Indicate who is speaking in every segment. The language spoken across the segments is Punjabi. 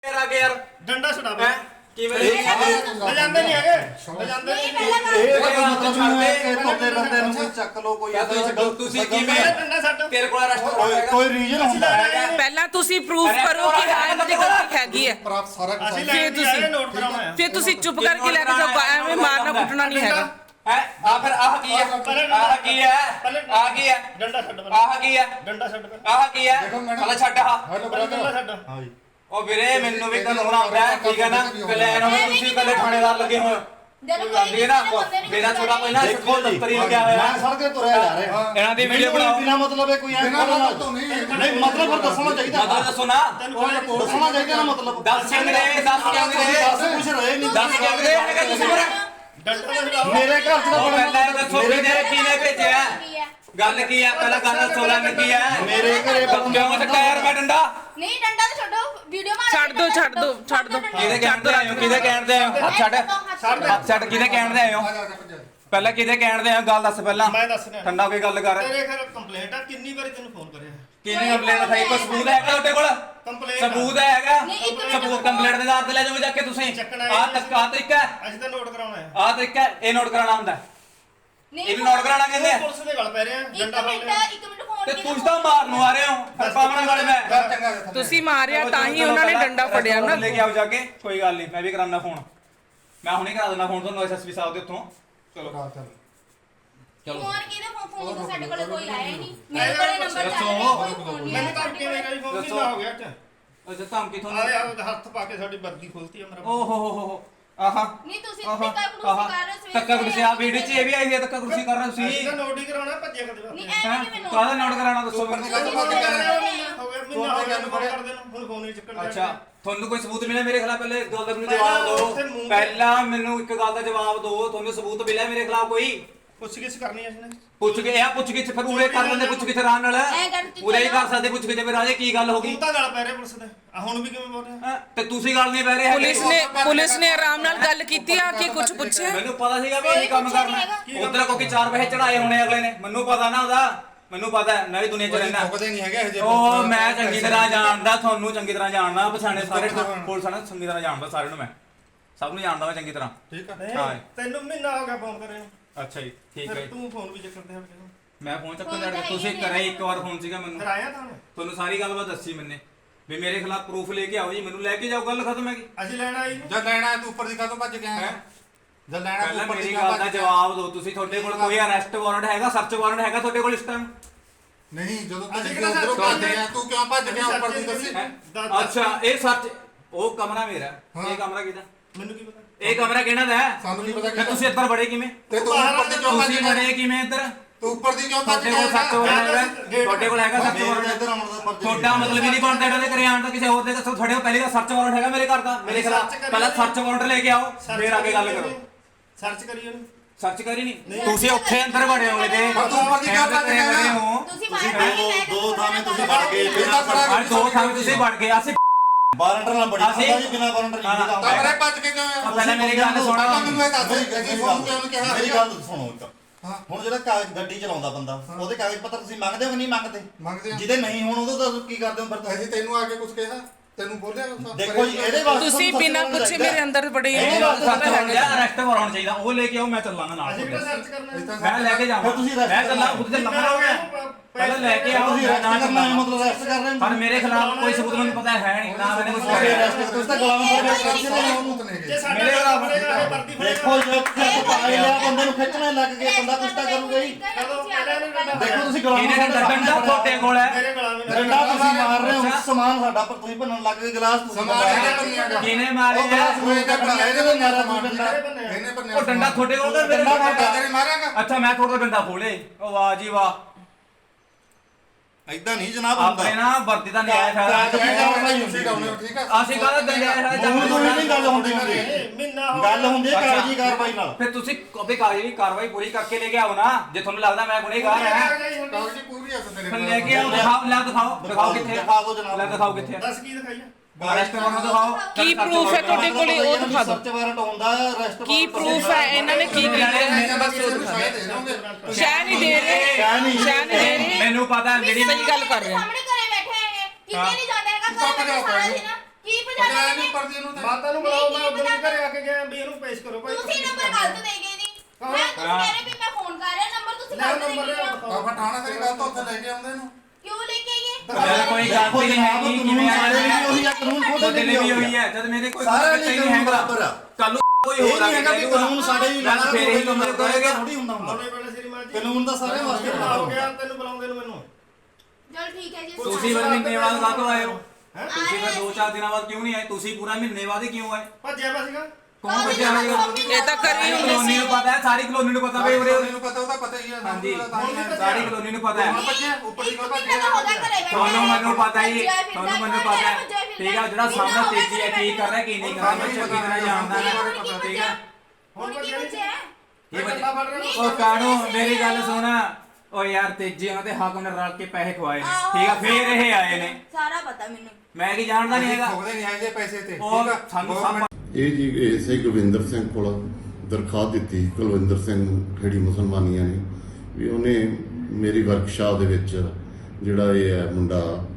Speaker 1: यार
Speaker 2: डंडा छुड़ा
Speaker 1: है किवें ले
Speaker 2: जांदे नहीं है ले जांदे नहीं
Speaker 3: ਇਹ ਤਾਂ ਮਤਲਬ ਨਹੀਂ ਹੈ ਕਿ ਤੁਹਾਡੇ ਬੰਦੇ ਨੂੰ ਕੋਈ ਚੱਕ ਲੋ ਕੋਈ
Speaker 1: या ਤੁਸੀਂ ਕਿਵੇਂ
Speaker 2: डंडा छड्ड
Speaker 1: ਤੇਰੇ ਕੋਲ ਰੈਸਟ
Speaker 3: ਕੋਈ ਰੀਜਨ ਹੁੰਦਾ ਹੈ
Speaker 4: ਪਹਿਲਾਂ ਤੁਸੀਂ ਪ੍ਰੂਫ ਕਰੋ ਕਿ ਹਾਂ ਇਹਨਾਂ ਦੀ ਗਲਤੀ ਹੈਗੀ ਹੈ
Speaker 3: ਪ੍ਰਾਪ ਸਾਰਾ ਕੁਝ
Speaker 2: ਅਸੀਂ ਲੈ ਕੇ ਆਏ ਨੋਟ ਕਰਾਉਣਾ ਹੈ
Speaker 4: ਫਿਰ ਤੁਸੀਂ ਚੁੱਪ ਕਰਕੇ ਲੈ ਕੇ ਜਾਓ ਐਵੇਂ ਮਾਰਨਾ ਕੁੱਟਣਾ ਨਹੀਂ ਹੈਗਾ
Speaker 1: है आ फिर आह की है आह की है आ की है
Speaker 2: डंडा छड्ड
Speaker 1: आह की है
Speaker 2: डंडा छड्ड
Speaker 1: आह की है चल छੱਡ आ
Speaker 2: डंडा छड्ड
Speaker 3: ਹਾਂ ਜੀ
Speaker 1: ਉਹ ਵੀਰੇ ਮੈਨੂੰ ਵੀ ਕਾਨੂੰਨ ਆਉਂਦਾ ਹੈ ਠੀਕ ਹੈ ਨਾ ਪਲਾਨ ਹੋਵੇ ਤੁਸੀਂ ਕੱਲੇ ਥਾਣੇਦਾਰ ਲੱਗੇ ਹੋਏ ਇਹ ਨਾ ਮੇਰਾ ਛੋਟਾ ਕੋਈ ਨਾ
Speaker 3: ਦੇਖੋ ਜੀ
Speaker 1: ਦਫ਼ਤਰੀ ਲੱਗਿਆ ਹੋਇਆ
Speaker 3: ਮੈਂ ਸੜਕੇ ਤੁਰਿਆ ਜਾ ਰਿਹਾ
Speaker 1: ਇਹਨਾਂ ਦੀ ਵੀਡੀਓ ਬਣਾਓ
Speaker 3: ਬਿਨਾ ਮਤਲਬ ਹੈ ਕੋਈ ਐ ਨਹੀਂ ਮਤਲਬ ਫਿਰ ਦੱਸਣਾ ਚਾਹੀਦਾ
Speaker 1: ਮਤਲਬ ਦੱਸੋ ਨਾ
Speaker 3: ਦੱਸਣਾ ਚਾਹੀਦਾ ਨਾ ਮਤਲਬ
Speaker 1: ਦੱਸ ਕਿਉਂ ਦੇ ਦੱਸ ਕਿਉਂ ਦੇ
Speaker 3: ਦੱਸ ਕੁਛ ਰਹੇ ਨਹੀਂ
Speaker 1: ਦੱਸ ਕਿਉਂ ਦੇ ਹੈਗਾ ਤੁਸੀਂ ਮੇਰਾ
Speaker 2: डंडा छड़ाओ
Speaker 3: ਮੇਰੇ ਘਰ ਚ ਤਾਂ
Speaker 1: ਉਹ
Speaker 3: ਬੜਾ
Speaker 1: ਪਹਿਲਾਂ ਦੱਸੋ ਕਿਹਨੇ ਭੇਜਿਆ ਗੱਲ ਕੀ ਹੈ ਪਹਿਲਾਂ ਗੱਲ ਸੋਲਨ ਕੀ ਹੈ
Speaker 3: ਮੇਰੇ ਘਰੇ
Speaker 1: ਕਿਉਂ ਚੱਕਾ ਯਾਰ ਮੈਂ ਡੰਡਾ
Speaker 5: ਨਹੀਂ ਡੰਡਾ ਤਾਂ ਛੱਡੋ ਵੀਡੀਓ ਮਾਰ
Speaker 4: ਛੱਡ ਦੋ
Speaker 1: ਕਿਹਦੇ ਕਹਿਣ ਤੇ ਆਏ ਹੋ ਕਿਹਦੇ ਕਹਿਣ ਤੇ ਆਏ ਹੋ ਹੱਥ ਛੱਡ ਹੱਥ ਛੱਡ ਕਿਹਦੇ ਕਹਿਣ ਤੇ ਆਏ ਹੋ ਪਹਿਲਾਂ ਕਿਹਦੇ ਕਹਿਣ ਤੇ ਆਏ ਹੋ ਗੱਲ ਦੱਸ ਪਹਿਲਾਂ
Speaker 2: ਮੈਂ ਦੱਸਣਾ
Speaker 1: ਠੰਡਾ ਹੋ ਕੇ ਗੱਲ ਕਰ
Speaker 2: ਤੇਰੇ ਘਰ ਕੰਪਲੇਂਟ ਆ ਕਿੰਨੀ ਵਾਰੀ ਤੈਨੂੰ ਫੋਨ ਕਰਿਆ
Speaker 1: ਕਿਹਨੇ ਕੰਪਲੇਂਟ ਲਿਖਾਈ ਕੋਈ ਸਬੂਤ ਹੈਗਾ ਤੁਹਾਡੇ ਕੋਲ
Speaker 2: ਕੰਪਲੇਂਟ
Speaker 1: ਸਬੂਤ ਹੈਗਾ
Speaker 5: ਨਹੀਂ, ਇੱਕ ਮਿੰਟ
Speaker 1: ਸਬੂਤ ਕੰਪਲੇਂਟ ਦੇ ਆਧਾਰ ਤੇ ਲੈ ਜਾਓ ਜਾ ਕੇ ਤੁਸੀਂ
Speaker 2: ਚੱਕਣਾ
Speaker 1: ਆਹ ਤਰੀਕਾ
Speaker 2: ਅਸੀਂ ਤਾਂ ਨੋਟ ਕਰਾਉਣਾ ਹੈ
Speaker 1: ਆਹ ਤਰੀਕਾ ਇਹ ਨੋਟ ਕਰਾਉਣਾ ਹੁੰਦਾ
Speaker 5: ਨਹੀਂ
Speaker 1: ਇਹ ਨੋਟ ਕਰਾਉਣਾ ਕਹਿੰਦੇ ਆ
Speaker 2: ਪੁਲਿਸ ਦੇ ਗਲ ਪੈ ਰਹੇ ਆ ਡੰਡਾ ਫੜ ਲਿਆ
Speaker 5: ਇੱਕ ਮਿੰਟ ਫੋਨ
Speaker 1: ਤੇ ਤੁਸੀਂ ਤਾਂ ਮਾਰਨ ਨੂੰ ਆ ਰਹੇ ਹੋ ਪਾਵਣਾ ਵਾਲੇ ਮੈਂ
Speaker 4: ਤੁਸੀਂ ਮਾਰਿਆ ਤਾਂ ਹੀ ਉਹਨਾਂ ਨੇ ਡੰਡਾ ਫੜਿਆ ਨਾ
Speaker 1: ਲੈ ਕੇ ਆਓ ਜਾ ਕੇ ਕੋਈ ਗੱਲ ਨਹੀਂ ਮੈਂ ਵੀ ਕਰਾਉਣਾ ਫੋਨ ਮੈਂ ਹੁਣੇ ਕਰਾ ਦਿੰਦਾ ਫੋਨ ਤੁਹਾਨੂੰ ਐਸਐਸਪੀ ਸਾਹਿਬ ਦੇ ਉੱਥੋਂ ਚਲੋ
Speaker 5: ਫੋਨ ਕਿਹਦੇ ਫੋਨ ਤਾਂ ਸਾਡੇ ਕੋਲ ਕੋਈ ਆਇਆ ਹੀ ਨਹੀਂ ਮੇਰੇ ਕੋਲੇ ਨੰਬਰ ਚੱਲ ਰਿਹਾ ਕੋਈ ਫੋਨ ਨਹੀਂ
Speaker 2: ਮੈਨੂੰ
Speaker 5: ਆਇਆ
Speaker 2: ਤਾਂ ਕਿਵੇਂ ਕਰੀ ਫੋਨ ਕਿੰਨਾ ਹੋ ਗਿਆ ਚ
Speaker 1: ਅੱਛਾ ਧਮਕੀ ਤੁਹਾਨੂੰ
Speaker 2: ਆਲੇ ਆ ਹੱਥ ਪਾ ਕੇ ਸਾਡੀ ਵਰਦੀ ਖੋਲਤੀ ਆ ਮੇਰਾ
Speaker 1: ਓ ਹੋ ਆਹਾ
Speaker 5: ਨਹੀਂ ਤੁਸੀਂ ਧੱਕਾ ਕੁਰਸੀ ਕਰ ਰਹੇ ਹੋ
Speaker 1: ਤੱਕਾ ਕੁਰਸੀ ਆ ਵੀਡੀਓ 'ਚ ਇਹ ਵੀ ਆਈ ਹੈ ਤੱਕਾ ਕੁਰਸੀ ਕਰ ਰਹੇ
Speaker 2: ਅਸੀਂ
Speaker 1: ਤੁਸੀਂ
Speaker 2: ਤਾਂ ਨੋਟ ਹੀ ਕਰਾਉਣਾ ਭੱਜਿਆ ਕਦੇ
Speaker 5: ਨਹੀਂ
Speaker 2: ਵਾਸਤੇ
Speaker 5: ਐਵੇਂ ਕਿਵੇਂ ਨੋਟ
Speaker 1: ਕਾਹਦਾ ਨੋਟ ਕਰਾਉਣਾ ਦੱਸੋ ਮੈਨੂੰ
Speaker 2: ਹੋ ਗਿਆ ਮਹੀਨਾ ਹੋ ਗਿਆ ਨੂੰ ਫੋਨ ਕਰਦੇ ਨੂੰ ਹੁਣ ਫੋਨ ਨਹੀਂ ਚੱਕਣ
Speaker 1: ਅੱਛਾ ਤੁਹਾਨੂੰ ਕੋਈ ਸਬੂਤ ਮਿਲਿਆ ਮੇਰੇ ਖਿਲਾਫ ਪਹਿਲੇ ਇਸ ਗੱਲ ਦਾ ਮੈਨੂੰ ਜਵਾਬ ਦਿਓ ਪਹਿਲਾਂ ਮੈਨੂੰ ਇੱਕ ਗੱਲ ਦਾ ਜਵਾਬ ਦਿਓ ਤੁਹਾਨੂੰ ਸਬੂਤ ਮਿਲਿਆ ਮੇਰੇ ਖਿਲਾਫ ਕੋਈ
Speaker 2: ਪੁੱਛ ਗਿੱਛ ਕਰਨੀ ਅਸੀਂ ਨੇ
Speaker 1: ਪੁੱਛ ਕੇ ਇਹ ਪੁੱਛ ਕੇ ਫਿਰ ਉਰੇ ਕਰ ਲੈਂਦੇ ਪੁੱਛ ਕੇ ਆਰਾਮ ਨਾਲ ਉਰੇ ਹੀ ਕਰ ਸਕਦੇ ਪੁੱਛ ਕੇ ਫਿਰ ਰਾਜੇ ਕੀ ਗੱਲ ਹੋ ਗਈ
Speaker 2: ਤੂੰ ਤਾਂ ਗਲ ਪੈ ਰਿਹਾ ਪੁਲਿਸ ਦੇ ਆ ਹੁਣ ਵੀ ਕਿਵੇਂ ਬੋਲ ਰਿਹਾ
Speaker 1: ਤੇ ਤੁਸੀਂ ਗੱਲ ਨਹੀਂ ਪੈ ਰਹੇ
Speaker 4: ਪੁਲਿਸ ਨੇ ਆਰਾਮ ਨਾਲ ਗੱਲ ਕੀਤੀ ਆ ਕਿ ਕੁਝ ਪੁੱਛਿਆ
Speaker 1: ਮੈਨੂੰ ਪਤਾ ਸੀਗਾ ਵੀ ਇਹ ਕੰਮ ਕਰਨਾ ਉਧਰ ਕੋਈ 4 ਪੈਸੇ ਚੜਾਏ ਹੋਣੇ ਅਗਲੇ ਨੇ ਮੈਨੂੰ ਪਤਾ ਨਾ ਉਹਦਾ ਮੈਨੂੰ ਪਤਾ ਹੈ ਮੈਂ ਵੀ ਦੁਨੀਆ 'ਚ ਰਹਿਣਾ
Speaker 3: ਨਹੀਂ ਹੈਗੇ ਹਜੇ
Speaker 1: ਉਹ ਮੈਂ ਚੰਗੀ ਤਰ੍ਹਾਂ ਜਾਣਦਾ ਤੁਹਾਨੂੰ ਚੰਗੀ ਤਰ੍ਹਾਂ ਜਾਣਦਾ ਪਛਾਣੇ ਸਾਰੇ ਪੁਲਿਸ ਨਾਲ ਚੰਗੀ ਤਰ੍ਹਾਂ ਜਾਣਦਾ ਸਾਰਿਆਂ ਨੂੰ ਮੈਂ ਸਭ ਨੂੰ ਜਾਣਦਾ ਮੈਂ ਚੰਗੀ ਤਰ੍ਹਾਂ
Speaker 3: ਠੀਕ ਆ
Speaker 1: ਹਾਂ
Speaker 2: ਤੈਨੂੰ ਮਹੀਨਾ ਹੋ ਗਿਆ ਫੋਨ ਕਰੇ ਨੂੰ
Speaker 1: ਅੱਛਾ ਜੀ ਠੀਕ ਹੈ
Speaker 2: ਫਿਰ
Speaker 1: ਜੀ।
Speaker 2: ਤੂੰ ਫੋਨ ਵੀ ਚੱਕਦੇ ਹਟ ਗਿਆ
Speaker 1: ਮੈਂ ਫੋਨ ਚੱਕਣ ਜਾ ਤੁਸੀਂ ਕਰੇ ਇੱਕ ਵਾਰ ਫੋਨ ਸੀਗਾ ਮੈਨੂੰ
Speaker 2: ਫਿਰ ਆਇਆ ਤਾਂ
Speaker 1: ਤੁਹਾਨੂੰ ਸਾਰੀ ਗੱਲਬਾਤ ਦੱਸੀ ਮੈਨੇ ਵੀ ਮੇਰੇ ਖਿਲਾਫ ਪ੍ਰੂਫ ਲੈ ਕੇ ਆਓ ਜੀ ਮੈਨੂੰ ਲੈ ਕੇ ਜਾਓ ਗੱਲ ਖਤਮ ਹੈਗੀ
Speaker 2: ਅਸੀਂ ਲੈਣ ਆਈ ਨੂੰ
Speaker 3: ਜਦ ਲੈਣਾ ਤੂੰ ਉੱਪਰ ਦੀ ਕਾਹਤੋਂ ਭੱਜ ਗਿਆ
Speaker 1: ਹੈਂ?
Speaker 3: ਜਦ ਲੈਣਾ ਤੂੰ
Speaker 1: ਪਹਿਲਾਂ
Speaker 3: ਉੱਪਰ ਦੀ
Speaker 1: ਮੇਰੀ
Speaker 3: ਕਾਹਤੋਂ
Speaker 1: ਗੱਲ ਦਾ ਜਵਾਬ ਦਿਓ ਤੁਸੀਂ ਤੁਹਾਡੇ ਕੋਲ ਕੋਈ ਅਰੈਸਟ ਵਾਰੰਟ ਹੈਗਾ ਸਰਚ ਵਾਰੰਟ ਹੈਗਾ ਤੁਹਾਡੇ ਕੋਲ ਇਸ ਟਾਈਮ
Speaker 3: ਨਹੀਂ ਜਦੋਂ ਤੂੰ
Speaker 2: ਅਸੀਂ
Speaker 3: ਉਧਰੋਂ
Speaker 2: ਕਿਹੜਾ
Speaker 3: ਭੱਜ ਗਿਆ ਤੂੰ ਕਿਉਂ ਭੱਜ ਗਿਆ ਉੱਪਰ ਦੀ ਦੱਸੀ
Speaker 1: ਅੱਛਾ ਇਹ ਸਰਚ ਉਹ ਕਮਰਾ ਮੇਰਾ ਇਹ ਕਮਰਾ ਕਿਹਦਾ
Speaker 2: ਮੈਨੂੰ ਕੀ ਪਤਾ
Speaker 1: ਇਹ ਕਮਰਾ ਕਿਹਨਾਂ ਦਾ ਹੈ
Speaker 3: ਸਾਨੂੰ ਕੀ ਪਤਾ
Speaker 1: ਫਿਰ ਤੁਸੀਂ ਇੱਧਰ ਬੜੇ ਕਿਵੇਂ
Speaker 3: ਤੇ ਤੂੰ ਉੱਪਰ ਦੀ ਕਿਉਂ ਭੱਜ
Speaker 1: ਤੁਸੀਂ
Speaker 3: ਗਿਆ
Speaker 1: ਬੜੇ ਕਿਵੇਂ ਇੱਧਰ
Speaker 3: ਤੂੰ ਉੱਪਰ ਦੀ ਕਿਉਂ ਭੱਜ
Speaker 1: ਤੁਹਾਡੇ ਕੋਲ ਸਰਚ ਵਾਰੰਟ ਹੈਗਾ ਤੁਹਾਡੇ ਕੋਲ ਹੈਗਾ ਸਰਚ
Speaker 3: ਮੇਰੇ
Speaker 1: ਵਾਰੰਟ
Speaker 3: ਇੱਧਰ ਆਉਣ ਦਾ ਪਰਚਾ
Speaker 1: ਤੁਹਾਡਾ ਮਤਲਬ ਹੀ ਨਹੀਂ ਬਣਦਾ ਇਹਨਾਂ ਦੇ ਘਰੇ ਆਉਣ ਦਾ ਕਿਸੇ ਹੋਰ ਦੇ ਦੱਸੋ ਤੁਹਾਡੇ ਕੋਲ ਪਹਿਲੇ ਦਾ ਸਰਚ ਵਾਰੰਟ ਹੈਗਾ ਮੇਰੇ ਘਰ ਦਾ ਮੇਰੇ ਖਿਲਾਫ ਪਹਿਲਾਂ ਸਰਚ ਵਾਰੰਟ ਲੈ ਕੇ ਆਓ ਫਿਰ ਆ ਕੇ ਗੱਲ ਕਰੋ
Speaker 2: ਸਰਚ ਕਰੀ ਉਹਨੂੰ
Speaker 1: ਸਰਚ ਕਰੀ ਨਹੀਂ ਤੁਸੀਂ ਉੱਥੇ ਅੰਦਰ ਵੜੇ ਹੋਏ ਤੇ
Speaker 3: ਤੂੰ ਉੱਪਰ ਦੀ ਕਿਉਂ ਭੱਜ ਗਿਆ
Speaker 5: ਤੁਸੀਂ ਬਾਹਰ
Speaker 3: ਦੋ ਥਾਵੇਂ ਤੁਸੀਂ ਵੜ ਗਏ ਬਿਨਾਂ
Speaker 1: ਅੱਜ ਦੋ ਥਾਂ ਤੁਸੀਂ ਵੜ ਗਏ ਅਸੀਂ
Speaker 3: ਵਾਰੰਟ ਨਾਲ ਬੜੀ
Speaker 1: ਅਸੀਂ-
Speaker 3: ਪਤਾ ਜੀ ਬਿਨਾਂ ਵਾਰੰਟ ਨਹੀਂ
Speaker 1: ਹਾਂ।
Speaker 3: ਤਾਂ
Speaker 6: ਤਾਂ ਭੱਜ ਕੇ ਕਿਉਂ ਆਇਆ?
Speaker 1: ਪਹਿਲਾਂ ਮੇਰੀ ਗੱਲ ਸੁਣੋ
Speaker 6: ਪਹਿਲਾਂ ਮੈਨੂੰ ਇਹ ਦੱਸ ਅਸੀਂ ਫੋਨ ਕਿਉਂ ਨਹੀਂ ਕਿਹਾ
Speaker 3: ਮੇਰੀ ਗੱਲ ਸੁਣੋ ਇੱਕ ਹੁਣ ਜਿਹੜਾ ਕਾਗਜ਼ ਗੱਡੀ ਚਲਾਉਂਦਾ ਬੰਦਾ ਉਹਦੇ ਕਾਗਜ਼ ਪੱਤਰ ਤੁਸੀਂ ਮੰਗਦੇ ਹੋ ਕਿ ਨਹੀਂ ਮੰਗਦੇ
Speaker 6: ਮੰਗਦੇ ਆ
Speaker 3: ਜਿਹਦੇ ਨਹੀਂ ਹੋਣ ਉਹਦਾ ਤਾਂ ਕੀ ਕਰਦੇ ਹੋ ਫਿਰ
Speaker 6: ਅਸੀਂ ਤੈਨੂੰ ਆ ਕੇ ਕੁਝ ਕਿਹਾ ਤੈਨੂੰ ਬੋਲਿਆ ਕੁਛ?
Speaker 3: ਦੇਖੋ ਜੀ ਇਹਦੇ ਵਾਸਤੇ
Speaker 4: ਤੁਸੀਂ ਬਿਨਾਂ ਪੁੱਛੇ ਮੇਰੇ ਅੰਦਰ ਬੜੇ
Speaker 1: ਇਹ ਗੱਲ ਸੱਚ ਹੈ ਅਰੈਸਟ ਵਾਰੰਟ ਚਾਹੀਦਾ ਉਹ ਲੈ ਕੇ ਆਓ ਮੈਂ ਚੱਲਾਂਗਾ ਨਾਲ
Speaker 2: ਅਸੀਂ ਕਿਹੜਾ
Speaker 1: ਤੁਹਾਡੇ।
Speaker 2: ਸਰਚ ਕਰਨਾ
Speaker 6: ਅਸੀਂ ਤਾਂ
Speaker 1: ਮੈਂ ਲੈ ਕੇ ਜਾਵਾਂ
Speaker 3: ਫਿਰ ਤੁਸੀਂ arrest
Speaker 1: ਮੈਂ ਚੱਲਾਂ ਖੁਦ ਤੇ ਲੰਮਾ ਹੋ ਗਿਆ ਪਹਿਲਾਂ ਲੈ ਕੇ ਆਓ
Speaker 3: ਤੁਸੀਂ
Speaker 1: ਮੈਂ
Speaker 3: ਅਰੈਸਟ
Speaker 1: ਨਾਲ
Speaker 3: ਕਰਨਾ ਹੈ
Speaker 1: ਚੱਲਾਂਗਾ
Speaker 3: ਮਤਲਬ ਅਰੈਸਟ ਕਰ ਰਹੇ ਹੋ
Speaker 1: ਪਰ ਮੇਰੇ ਖਿਲਾਫ ਕੋਈ ਸਬੂਤ ਮੈਨੂੰ ਪਤਾ ਹੈ ਨਹੀਂ ਨਾ ਮੈंने ਕੁਝ
Speaker 3: ਤੁਸੀਂ
Speaker 1: ਕਰਿਆ
Speaker 3: ਅਰੈਸਟ ਤੁਸੀਂ ਤਾਂ ਗੁਲਾਮ ਪਰ ਬੈਠ ਕੇ
Speaker 6: ਉਹਨੂੰ ਤਾਂ ਨਹੀਂ
Speaker 2: ਜੇ
Speaker 6: ਗਏ
Speaker 2: ਸਾਡੇ
Speaker 1: ਮੇਰੇ
Speaker 2: ਨਾਲ
Speaker 1: ਖਿਲਾਫ਼
Speaker 2: ਫੜੇਗਾ ਇਹ ਵਰਦੀ
Speaker 3: ਦੇਖੋ ਜੇ ਤੁਸੀਂ ਪਾਈ ਲਿਆ ਬੰਦੇ ਨੂੰ ਖਿੱਚਣੇ ਲੱਗ ਗਏ ਬੰਦਾ ਕੁਛ ਤਾਂ ਕਰੂਗਾ ਹੀ ਦੇਖੋ ਤੁਸੀਂ ਗੁਲਾਮ
Speaker 1: ਇਹਨੇ
Speaker 3: ਸਾਡੇ
Speaker 1: ਡੰਡਾ ਤੁਹਾਡੇ ਕੋਲ ਹੈ
Speaker 2: ਮੇਰੇ ਗਲਾ ਵਿੱਚ
Speaker 3: ਡੰਡਾ ਤੁਸੀਂ ਮਾਰ ਰਹੇ ਹੋ ਸਮਾਨ ਸਾਡਾ ਪਰ ਤੁਸੀਂ ਭੰਨਣ ਲੱਗ ਗਏ ਗਲਾਸ ਤੁਸੀਂ
Speaker 6: ਸਮਾਨ
Speaker 3: ਮਾਰਿਆ।
Speaker 6: ਇਹਨੇ ਭੰਨਿਆਗਾ।
Speaker 1: ਕਿਹਨੇ ਮਾਰਿਆ
Speaker 6: ਇਹਨੇ ਭੰਨਿਆ, ਇਹਨੇ ਭੰਨਿਆ ਸਮਾਨ।
Speaker 3: ਡੰਡਾ।
Speaker 6: ਇਹਨੇ ਭੰਨਿਆ
Speaker 1: ਉਹ ਡੰਡਾ ਤੁਹਾਡੇ ਕੋਲ ਤਾਂ ਮੇਰੇ
Speaker 3: ਡੰਡਾ
Speaker 1: ਕੋਲ
Speaker 3: ਤੁਹਾਡਾ।
Speaker 6: ਤੇਰੇ ਮਾਰਾਂਗਾ
Speaker 1: ਅੱਛਾ ਮੈਂ ਤੁਹਾਡਾ ਡੰਡਾ ਖੋਲੇ ਉਹ ਵਾਹ ਜੀ ਵਾਹ
Speaker 3: ਏਦਾਂ ਨਹੀਂ ਜਨਾਬ ਹੁੰਦਾ
Speaker 1: ਆਪਣੇ ਨਾ ਵਰਦੀ ਦਾ ਨਿਆਇ
Speaker 3: ਕਾਗਜ਼
Speaker 1: ਹੈ
Speaker 3: ਦੀ ਕਾਰਵਾਈ ਹੁੰਦੀ
Speaker 6: ਤੁਸੀਂ ਕਹੋਗੇ ਠੀਕ ਆ
Speaker 1: ਅਸੀਂ ਕਾਹਦਾ ਦੰਡਿਆ ਹੈ
Speaker 3: ਮੂੰਹ ਤੋਂ ਨਹੀਂ ਗੱਲ ਹੁੰਦੀ ਹੁੰਦੀ
Speaker 2: ਮਹੀਨਾ ਹੋ
Speaker 3: ਗੱਲ ਹੁੰਦੀ ਹੈ
Speaker 1: ਅੱਛਾ।
Speaker 3: ਕਾਗਜ਼ੀ ਕਾਰਵਾਈ ਨਾਲ
Speaker 1: ਫਿਰ ਤੁਸੀਂ ਆਪਣੀ ਕਾਗਜ਼ੀ ਕਾਰਵਾਈ ਪੂਰੀ ਕਰਕੇ ਲੈ ਕੇ ਆਓ ਨਾ ਜੇ ਤੁਹਾਨੂੰ ਲੱਗਦਾ ਮੈਂ ਗੁਨੇਗਾਰ ਹਾਂ
Speaker 6: ਕਾਗਜ਼ੀ ਪੂਰੀ ਆ ਤੇਰੇ
Speaker 1: ਫਿਰ ਲੈ ਕੇ ਆਓ ਦਿਖਾਓ ਲੈ ਦਿਖਾਓ ਕਿੱਥੇ
Speaker 3: ਦਿਖਾ ਦਿਓ ਜਨਾਬ।
Speaker 1: ਲੈ ਦਿਖਾਓ ਕਿੱਥੇ
Speaker 2: ਦੱਸ ਕੀ ਦਿਖਾਈਆ
Speaker 1: ਅਰੈਸਟ ਵਾਰੰਟ ਦਿਖਾਓ
Speaker 4: ਕੀ proof ਹੈ ਤੁਹਾਡੇ ਕੋਲੇ ਉਹ ਦਿਖਾ ਦਿਓ
Speaker 3: ਸਰਚ ਵਾਰੰਟ ਹੁੰਦਾ ਅਰੈਸਟ
Speaker 4: ਕੀ ਪ੍ਰੂਫ ਹੈ ਇਹਨਾਂ ਨੇ ਕੀ ਕੀਤਾ ਸ਼ਹਿ ਨਹੀਂ ਦੇ ਰਹੇ ਸ਼ਹਿ ਨਹੀਂ ਦੇ ਰਹੇ
Speaker 1: ਮੈਨੂੰ ਪਤਾ ਜਿਹੜੀ
Speaker 5: ਸਹੀ ਗੱਲ ਕਰ ਰਹੇ ਸਾਹਮਣੇ ਘਰੇ ਬੈਠੇ ਹੈਗੇ ਕਿਤੇ ਨਹੀਂ ਜਾਂਦਾ ਹੈਗਾ ਘਰੇ ਬੈਠੇ ਸਾਰਾ ਦਿਨ ਕੀ
Speaker 6: ਕਿਰਾਇਆ ਨਹੀਂ ਪਰਦੀ ਇਹਨੂੰ ਤੇ
Speaker 2: ਮਾਤਾ ਨੂੰ ਬੁਲਾਓ, ਮੈਂ ਉਦੋਂ ਘਰੇ ਆ ਕੇ ਗਿਆ ਵੀ ਇਹਨੂੰ ਪੇਸ਼ ਕਰੋ ਭਾਈ।
Speaker 5: ਤੁਸੀਂ ਨੰਬਰ ਗਲਤ ਦੇ ਗਏ ਜੀ। ਮੈਂ ਤੁਸੀਂ ਕਹਿ ਰਹੇ ਵੀ ਮੈਂ ਫੋਨ ਕਰ ਰਿਹਾ, ਨੰਬਰ ਤੁਸੀਂ
Speaker 2: ਲੈ
Speaker 5: ਗਲਤ ਦੇ
Speaker 2: ਨੰਬਰ
Speaker 5: ਗਏ ਹੋ।
Speaker 6: ਬਾਬਾ ਠਾਣਾ ਤੇਰੀ ਗੱਲ ਤੋਂ ਉੱਥੇ ਲੈ ਕੇ ਆਉਂਦੇ ਇਹਨੂੰ
Speaker 5: ਕਿਉਂ ਲੈ ਕੇ ਆਈਏ?
Speaker 1: ਜਦ ਕੋਈ ਗਲਤੀ ਨਹੀਂ ਹੈਗੀ ਕਿਵੇਂ
Speaker 3: ਸਾਡੇ
Speaker 1: ਆਇਆ
Speaker 3: ਲਈ ਉਹੀ ਆ, ਕਾਨੂੰਨ
Speaker 1: ਤੁਹਾਡੇ
Speaker 3: ਤੁਹਾਡੇ
Speaker 1: ਲਈ ਵੀ
Speaker 3: ਲਈ
Speaker 1: ਹੋਈ ਹੈ ਜਦ ਮੇਰੇ ਕੋਈ
Speaker 3: ਸਾਰਿਆਂ
Speaker 1: ਬੱਚਾ
Speaker 3: ਲਈ
Speaker 1: ਹੀ ਨਹੀਂ ਹੈਗਾ
Speaker 3: ਬਰਾਬਰ ਆ।
Speaker 1: ਕੱਲ ਨੂੰ ਕੋਈ
Speaker 3: ਇਹ
Speaker 1: ਹੋਰ
Speaker 3: ਨਹੀਂ ਹੈਗਾ ਵੀ ਕਾਨੂੰਨ ਸਾਡੇ ਲਈ
Speaker 1: ਨਾਲ ਫੇਰ ਹੀ ਕੰਮ ਕਰੇਗਾ
Speaker 3: ਥੋੜੀ ਹੁੰਦਾ
Speaker 2: ਆਉਣੇ ਵੇਲੇ ਸ਼੍ਰੀਮਾਨ ਜੀ
Speaker 3: ਕਾਨੂੰਨ ਤਾਂ ਸਾਰਿਆਂ ਵਾਸਤੇ
Speaker 2: ਬਣਾ ਹੋ ਗਿਆ, ਤੈਨੂੰ ਬੁਲਾਉਂਦੇ ਨੂੰ ਮੈਨੂੰ।
Speaker 5: ਚਲ ਠੀਕ ਹੈ ਜੀ।
Speaker 1: ਤੁਸੀਂ ਫਿਰ ਮਹੀਨੇ ਬਾਅਦ ਕਾਹਤੋਂ ਆਏ ਹੋ
Speaker 2: ਹੈਂ?
Speaker 1: ਤੁਸੀਂ ਫਿਰ 2-4 ਦਿਨਾਂ ਬਾਅਦ ਕਿਉਂ ਨਹੀਂ ਆਏ ਤੁਸੀਂ ਪੂਰਾ ਮਹੀਨੇ ਬਾਅਦ ਹੀ ਕਿਉਂ ਆਏ
Speaker 2: ਭੱਜਿਆ ਵਾ ਸੀਗਾ।
Speaker 1: ਕੌਣ ਬੱਚਿਆ ਹੋਏਗਾ
Speaker 4: ਇਹ ਤਾਂ ਕਰੀ ਹੁੰਦੀ
Speaker 1: ਕਲੋਨੀ ਨੂੰ ਪਤਾ ਹੈ ਸਾਰੀ ਕਲੋਨੀ ਨੂੰ ਪਤਾ ਵੀ ਉਰੇ
Speaker 6: ਨੂੰ ਪਤਾ ਉਹਦਾ ਪਤਾ ਹੀ ਹੈ
Speaker 1: ਹਾਂਜੀ ਸਾਰੀ ਕਲੋਨੀ ਨੂੰ ਪਤਾ ਹੈ
Speaker 6: ਉੱਪਰ ਦੀ
Speaker 5: ਤੁਸੀਂ ਤਾਂ ਹੋ ਗਿਆ ਘਰੇ ਬੈਠੇ।
Speaker 1: ਤੁਹਾਨੂੰ ਮੈਨੂੰ ਪਤਾ ਹੀ
Speaker 5: ਭੱਜਿਆ ਫਿਰਦਾ,
Speaker 1: ਤੁਹਾਨੂੰ ਮੈਨੂੰ
Speaker 5: ਘਰੇ
Speaker 1: ਪਤਾ ਹੈ
Speaker 5: ਭੱਜਿਆ ਫਿਰਦਾ।
Speaker 1: ਠੀਕ ਹੈ ਜਿਹੜਾ ਸਾਹਮਣੇ ਤੇਜੀ ਹੈ ਕੀ ਕਰ ਰਿਹਾ ਕੀ ਨਹੀਂ ਕਰ ਰਿਹਾ ਮੈਂ ਚੰਗੀ ਤਰ੍ਹਾਂ ਜਾਣਦਾ ਹਾਂ ਠੀਕ ਹੈ
Speaker 5: ਹੁਣ ਕੀ ਬਚਿਆ?
Speaker 1: ਇਹ ਬੱਚੇ
Speaker 2: ਗੱਲਾਂ ਫੜ ਰਹੇ ਹੋ।
Speaker 1: ਉਹ ਕਾਣੂ ਮੇਰੀ ਗੱਲ ਸੁਣ ਓ ਯਾਰ ਤੇਜੀ ਉਹਨਾਂ ਦੇ ਹਾਕਮ ਨੇ ਰਲ ਕੇ ਪੈਸੇ ਖਵਾਏ ਨੇ ਠੀਕ ਆ ਫੇਰ ਇਹ ਆਏ ਨੇ
Speaker 5: ਸਾਰਾ ਪਤਾ ਮੈਨੂੰ।
Speaker 1: ਮੈਂ ਕੀ ਜਾਣਦਾ ਨਹੀਂ ਹੈਗਾ
Speaker 6: ਠੋਕਦੇ ਨਹੀਂ ਹੈਗੇ ਪੈਸੇ ਤੇ
Speaker 1: ਉਹ
Speaker 6: ਠੀਕ ਆ
Speaker 1: ਸਾਨੂੰ ਸਭ
Speaker 7: ਇਹ ਜੀ ਇਸੇ ਗੋਬਿੰਦਰ ਸਿੰਘ ਕੋਲ ਦਰਖਾਸਤ ਦਿੱਤੀ ਕੁਲਵਿੰਦਰ ਸਿੰਘ ਖੇੜੀ ਮੁਸਲਮਾਨੀਆਂ ਨੇ ਵੀ ਉਹਨੇ ਮੇਰੀ ਵਰਕਸ਼ਾਪ ਦੇ ਵਿੱਚ ਜਿਹੜਾ ਇਹ ਹੈ ਮੁੰਡਾ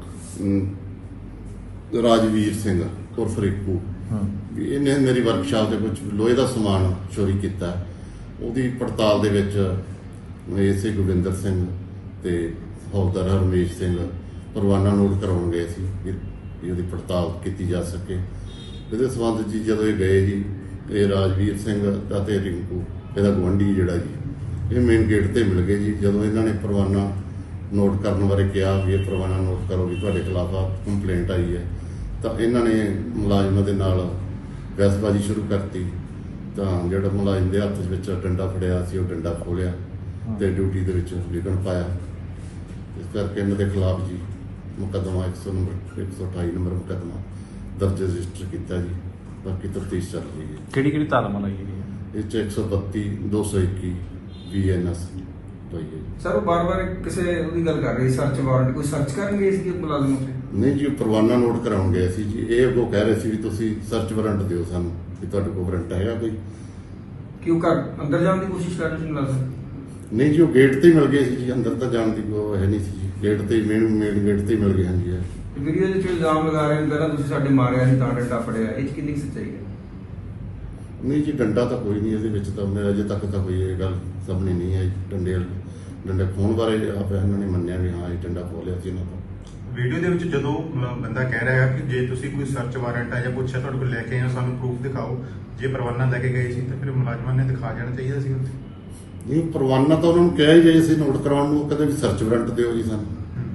Speaker 7: ਰਾਜਵੀਰ ਸਿੰਘ ਉਰਫ ਰਿੰਕੂ ਵੀ ਇਹਨੇ ਮੇਰੀ ਵਰਕਸ਼ਾਪ ਦੇ ਵਿੱਚ ਲੋਹੇ ਦਾ ਸਮਾਨ ਚੋਰੀ ਕੀਤਾ। ਉਹਦੀ ਪੜਤਾਲ ਦੇ ਵਿੱਚ ਇਸੇ ਗੋਬਿੰਦਰ ਸਿੰਘ ਤੇ ਹੌਲਦਾਰ ਹਰਮੇਸ਼ ਸਿੰਘ ਪਰਵਾਨਾ ਨੋਟ ਕਰਾਉਣ ਗਏ ਸੀ ਵੀ ਉਹਦੀ ਪੜਤਾਲ ਕੀਤੀ ਜਾ ਸਕੇ। ਇਹਦੇ ਸੰਬੰਧ ਜੀ ਜਦੋਂ ਇਹ ਗਏ ਜੀ ਇਹ ਰਾਜਵੀਰ ਸਿੰਘ ਅਤੇ ਰਿੰਕੂ ਇਹਦਾ ਗੁਆਂਢੀ ਜਿਹੜਾ ਜੀ ਇਹ ਮੇਨ ਗੇਟ ਤੇ ਮਿਲ ਗਏ ਜੀ। ਜਦੋਂ ਇਹਨਾਂ ਨੇ ਪਰਵਾਨਾ ਨੋਟ ਕਰਨ ਬਾਰੇ ਕਿਹਾ ਵੀ ਇਹ ਪਰਵਾਨਾ ਨੋਟ ਕਰੋ ਵੀ ਤੁਹਾਡੇ ਖਿਲਾਫ ਆ ਕੰਪਲੇਂਟ ਆਈ ਹੈ ਤਾਂ ਇਹਨਾਂ ਨੇ ਮੁਲਾਜ਼ਮਾਂ ਦੇ ਨਾਲ ਬਹਿਸਬਾਜ਼ੀ ਸ਼ੁਰੂ ਕਰਤੀ। ਤਾਂ ਜਿਹੜਾ ਮੁਲਾਜ਼ਮ ਦੇ ਹੱਥ ਵਿੱਚ ਡੰਡਾ ਫੜਿਆ ਸੀ ਉਹ ਡੰਡਾ ਖੋਲਿਆ ਤੇ ਡਿਊਟੀ ਦੇ ਵਿੱਚ ਵਿਘਨ ਪਾਇਆ। ਇਸ ਕਰਕੇ ਇਹਨਾਂ ਦੇ ਖਿਲਾਫ ਜੀ ਮੁਕੱਦਮਾ 128 ਨੰਬਰ ਮੁਕੱਦਮਾ ਦਰਜ ਰਜਿਸਟਰ ਕੀਤਾ ਜੀ। ਬਾਕੀ ਤਫਤੀਸ਼ ਚੱਲ ਰਹੀ ਹੈ।
Speaker 8: ਕਿਹੜੀ ਕਿਹੜੀ ਧਾਰਾਵਾਂ ਲਾਈ ਗਈ ਹੈ?
Speaker 7: ਇਹ 'ਚ 132 221 BNS ਹੋਈ ਹੈ ਜੀ।
Speaker 9: ਸਰ ਉਹ ਬਾਰ-ਬਾਰ ਕਿਸੇ ਉਹਦੀ ਗੱਲ ਕਰ ਰਹੀ ਸਰਚ ਵਾਰੰਟ ਕੋਈ ਸਰਚ ਕਰਨਗੇ ਇਸ ਦੀ ਮੁਲਾਜ਼ਮ ਉੱਤੇ?
Speaker 7: ਨਹੀਂ ਜੀ ਉਹ ਪਰਵਾਨਾ ਨੋਟ ਕਰਾਉਣ ਗਏ ਸੀ ਜੀ। ਇਹ ਅੱਗੋਂ ਕਹਿ ਰਹੇ ਸੀ ਵੀ ਤੁਸੀਂ ਸਰਚ ਵਾਰੰਟ ਦਿਓ ਸਾਨੂੰ ਵੀ ਤੁਹਾਡੇ ਕੋਲ ਵਾਰੰਟ ਹੈਗਾ ਕੋਈ।
Speaker 9: ਕਿਉਂ ਘਰ ਅੰਦਰ ਜਾਣ ਦੀ ਕੋਸ਼ਿਸ਼ ਕਰ ਰਹੇ ਸੀ ਮੁਲਾਜ਼ਮ?
Speaker 7: ਨਹੀਂ ਜੀ ਉਹ ਗੇਟ ਤੇ ਹੀ ਮਿਲ ਗਏ ਸੀ ਜੀ। ਅੰਦਰ ਤਾਂ ਜਾਣ ਦੀ ਕੋਈ ਹੈ ਨਹੀਂ ਸੀ ਜੀ। ਗੇਟ ਤੇ ਮੇਨ ਗੇਟ ਤੇ ਹੀ ਮਿਲ ਗਏ ਹਾਂ ਜੀ।
Speaker 9: ਵੀਡੀਓ ਦੇ ਵਿੱਚ ਇਲਜ਼ਾਮ ਲਗਾ ਰਹੇ ਨੇ ਪਹਿਲਾਂ ਤੁਸੀਂ ਸਾਡੇ ਮਾਰਿਆ ਸੀ ਤਾਂ ਡੰਡਾ ਫੜਿਆ, ਇਹ 'ਚ ਕਿੰਨੀ ਕੁ ਸੱਚਾਈ ਹੈ?
Speaker 7: ਨਹੀਂ ਜੀ ਡੰਡਾ ਤਾਂ ਕੋਈ ਨਹੀਂ ਇਹਦੇ ਵਿੱਚ ਤਾਂ ਮੈਂ ਅਜੇ ਤੱਕ ਤਾਂ ਕੋਈ ਇਹ ਗੱਲ ਸਾਹਮਣੇ ਨਹੀਂ ਆਈ। ਡੰਡੇ ਖੋਣ ਬਾਰੇ ਆਪ ਇਹਨਾਂ ਨੇ ਮੰਨਿਆ ਵੀ ਹਾਂ ਇਹ ਡੰਡਾ ਖੋਲਿਆ ਸੀ ਇਹਨਾਂ ਤੋਂ।
Speaker 10: ਵੀਡੀਓ ਦੇ ਵਿੱਚ ਜਦੋਂ ਬੰਦਾ ਕਹਿ ਰਿਹਾ ਹੈ ਕਿ ਜੇ ਤੁਸੀਂ ਕੋਈ ਸਰਚ ਵਾਰੰਟ ਆ ਜਾਂ ਪੁੱਛਿਆ ਤੁਹਾਡੇ ਕੋਲ ਲੈ ਕੇ ਆਏ ਹੋ ਸਾਨੂੰ ਪ੍ਰੂਫ ਦਿਖਾਓ, ਜੇ ਪਰਵਾਨਾ ਲੈ ਕੇ ਗਏ ਸੀ ਤਾਂ ਫਿਰ ਮੁਲਾਜ਼ਮਾਂ ਨੇ ਦਿਖਾ ਜਾਣਾ ਚਾਹੀਦਾ ਸੀ ਉੱਥੇ।
Speaker 7: ਨਹੀਂ ਪਰਵਾਨਾ ਤਾਂ ਉਹਨਾਂ ਨੂੰ ਕਿਹਾ ਹੀ ਜਾਏ ਸੀ ਨੋਟ ਕਰਾਉਣ ਨੂੰ। ਕਹਿੰਦੇ ਵੀ ਸਰਚ ਵਾਰੰਟ ਦਿਓ ਜੀ ਸਾਨੂੰ।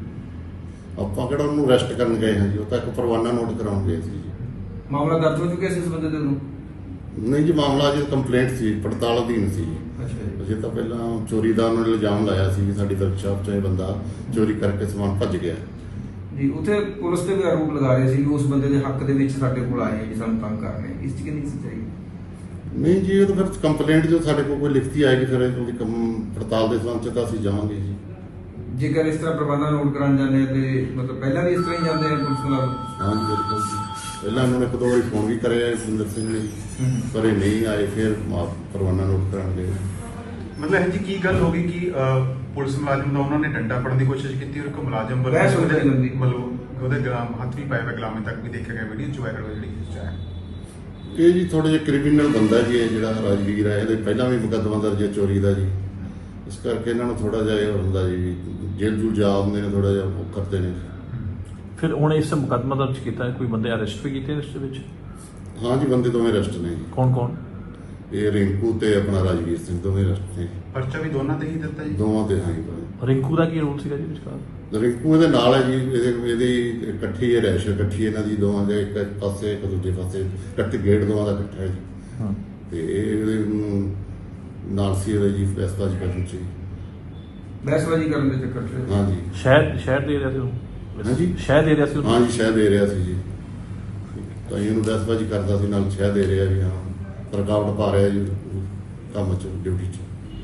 Speaker 7: ਆਪਾਂ ਕਿਹੜਾ ਉਹਨੂੰ ਅਰੈਸਟ ਕਰਨ ਗਏ ਹਾਂ ਜੀ। ਉਹ ਤਾਂ ਇੱਕ ਪਰਵਾਨਾ ਨੋਟ ਕਰਾਉਣ ਗਏ ਸੀ ਜੀ।
Speaker 9: ਮਾਮਲਾ ਦਰਜ ਹੋ ਚੁੱਕਿਆ ਸੀ ਇਸ ਬੰਦੇ ਦੇ ਨੂੰ?
Speaker 7: ਨਹੀਂ ਜੀ ਮਾਮਲਾ ਜੀ ਕੰਪਲੇਂਟ ਸੀ, ਪੜਤਾਲ ਅਧੀਨ ਸੀ।
Speaker 9: ਅੱਛਾ ਜੀ।
Speaker 7: ਅਜੇ ਤਾਂ ਪਹਿਲਾਂ ਚੋਰੀ ਦਾ ਉਹਨਾਂ ਨੇ ਇਲਜ਼ਾਮ ਲਾਇਆ ਸੀ ਕਿ ਸਾਡੀ ਵਰਕਸ਼ਾਪ 'ਚ ਇਹ ਬੰਦਾ ਚੋਰੀ ਕਰਕੇ ਸਮਾਨ ਭੱਜ ਗਿਆ
Speaker 9: ਜੀ ਉੱਥੇ ਪੁਲਿਸ ਤੇ ਵੀ ਆਰੋਪ ਲਗਾ ਰਹੇ ਸੀ ਕਿ ਉਸ ਬੰਦੇ ਦੇ ਹੱਕ ਦੇ ਵਿੱਚ ਸਾਡੇ ਕੋਲ ਆਏ ਜੀ ਸਾਨੂੰ ਤੰਗ ਕਰ ਰਹੇ, ਇਸ 'ਚ ਕਿੰਨੀ ਕੁ ਸੱਚਾਈ ਹੈ?
Speaker 7: ਨਹੀਂ ਜੀ ਉਹ ਤਾਂ ਫਿਰ ਕੰਪਲੇਂਟ ਜੋ ਸਾਡੇ ਕੋਲ ਕੋਈ ਲਿਖਤੀ ਆਏਗੀ ਫਿਰ ਉਹਦੀ ਪੜਤਾਲ ਦੇ ਸੰਬੰਧ 'ਚ ਤਾਂ ਅਸੀਂ ਜਾਵਾਂਗੇ ਜੀ।
Speaker 9: ਜੇਕਰ ਇਸ ਤਰ੍ਹਾਂ ਪ੍ਰਬੰਧਨ ਨੋਟ ਕਰਾਉਣ ਜਾਂਦੇ ਆ ਤੇ ਮਤਲਬ ਪਹਿਲਾਂ ਵੀ ਇਸ ਤਰ੍ਹਾਂ ਹੀ ਜਾਂਦੇ ਆ ਪੁਲਿਸ ਮੁਲਾਜ਼ਮ?
Speaker 7: ਹਾਂ ਜੀ ਬਿਲਕੁਲ ਜੀ। ਪਹਿਲਾਂ ਉਹਨਾਂ ਨੇ ਇੱਕ ਦੋ ਵਾਰੀ ਫੋਨ ਵੀ ਕਰਿਆ ਸੁੰਦਰ ਸਿੰਘ ਨੇ ਪਰ ਇਹ ਨਹੀਂ ਆਏ। ਫਿਰ ਪਰਵਾਨਾ ਨੋਟ ਕਰਾਉਣ ਗਏ।
Speaker 10: ਮਤਲਬ ਇਹ ਜੀ ਕੀ ਗੱਲ ਹੋ ਗਈ ਕਿ ਪੁਲਿਸ ਮੁਲਾਜ਼ਮ ਦਾ ਉਹਨਾਂ ਨੇ ਡੰਡਾ ਫੜਨ ਦੀ ਕੋਸ਼ਿਸ਼ ਕੀਤੀ ਔਰ ਇੱਕ ਮੁਲਾਜ਼ਮ
Speaker 9: ਬਹਿਸ ਹੋ ਗਈ ਬੰਦੀ।
Speaker 10: ਮਤਲਬ ਉਹਦੇ ਗਲਾਮ ਹੱਥ ਵੀ ਪਾਇਆ ਹੋਇਆ ਗੁਲਾਮੇ ਤੱਕ ਵੀ ਦੇਖਿਆ ਗਿਆ ਵੀਡੀਓ 'ਚ ਵਾਇਰਲ ਹੋਈ ਜਿਹੜੀ ਚੀਜ਼ ਹੈ।
Speaker 7: ਇਹ ਜੀ ਥੋੜਾ ਜਿਹਾ ਕ੍ਰਿਮੀਨਲ ਬੰਦਾ ਜੀ ਇਹ ਜਿਹੜਾ ਰਾਜਵੀਰ ਹੈ। ਇਹਦੇ ਪਹਿਲਾਂ ਵੀ ਮੁਕੱਦਮਾ ਦਰਜ ਹੈ ਚੋਰੀ ਦਾ ਜੀ। ਇਸ ਕਰਕੇ ਇਹਨਾਂ ਨੂੰ ਥੋੜਾ ਜਿਹਾ ਇਹ ਹੁੰਦਾ ਜੀ ਜੇਲ੍ਹ ਜੂਲ ਜਾ ਆਉਂਦੇ ਨੇ ਥੋੜਾ ਜਿਹਾ ਉਹ ਕਰਦੇ ਨੇ।
Speaker 8: ਫਿਰ ਹੁਣ ਇਸ ਮੁਕੱਦਮਾ ਦਰਜ ਕੀਤਾ ਹੈ, ਕੋਈ ਬੰਦੇ ਅਰੈਸਟ ਵੀ ਕੀਤੇ ਇਸ ਦੇ ਵਿੱਚ?
Speaker 7: ਹਾਂ ਜੀ ਬੰਦੇ ਦੋਵੇਂ ਅਰੈਸਟ ਨੇ ਜੀ।
Speaker 8: ਕੌਣ ਕੌਣ?
Speaker 7: ਇਹ ਰਿੰਕੂ ਤੇ ਆਪਣਾ ਰਾਜਵੀਰ ਸਿੰਘ ਦੋਵੇਂ ਅਰੈਸਟ ਨੇ।
Speaker 10: ਪਰਚਾ ਵੀ ਦੋਨਾਂ ਤੇ ਹੀ ਦਿੱਤਾ ਜੀ?
Speaker 7: ਦੋਵਾਂ ਤੇ ਹਾਂ ਜੀ।
Speaker 8: ਰਿੰਕੂ ਦਾ ਕੀ ਰੋਲ ਸੀਗਾ ਜੀ ਵਿਚਕਾਰ?
Speaker 7: ਰਿੰਕੂ ਇਹਦੇ ਨਾਲ ਹੈ ਜੀ। ਇਹਦੀ ਇਕੱਠੀ ਹੈ ਰੈਸ਼ ਇਕੱਠੀ ਇਹਨਾਂ ਦੀ ਦੋਵਾਂ ਦੇ ਇੱਕ ਪਾਸੇ ਇੱਕ ਦੂਜੇ ਪਾਸੇ ਇਕੱਠੇ ਗੇਟ ਦੋਵਾਂ ਦਾ ਇਕੱਠਾ ਹੈ ਜੀ।
Speaker 8: ਹਾਂ
Speaker 7: ਤੇ ਇਹਦੇ ਨਾਲ ਸੀ ਇਹਦੇ ਜੀ ਬਹਿਸਬਾਜ਼ੀ ਕਰਨ ਚ।
Speaker 9: ਬਹਿਸਬਾਜ਼ੀ ਕਰਨ ਦੇ ਚੱਕਰ 'ਚ?
Speaker 7: ਹਾਂ ਜੀ।
Speaker 8: ਸ਼ਹਿਰ ਦੇ ਰਿਹਾ ਸੀ ਉਹ?
Speaker 7: ਹਾਂਜੀ
Speaker 8: ਸ਼ਹਿਰ ਦੇ ਰਿਹਾ ਸੀ
Speaker 7: ਹਾਂ ਜੀ ਸ਼ਹਿ ਦੇ ਰਿਹਾ ਸੀ ਜੀ। ਤਾਂ ਇਹਨੂੰ ਬਹਿਸਬਾਜ਼ੀ ਕਰਦਾ ਸੀ ਨਾਲ ਸ਼ਹਿ ਦੇ ਰਿਹਾ ਵੀ ਹਾਂ ਰੁਕਾਵਟ ਪਾ ਰਿਹਾ ਜੀ ਕੰਮ 'ਚ ਡਿਊਟੀ 'ਚ।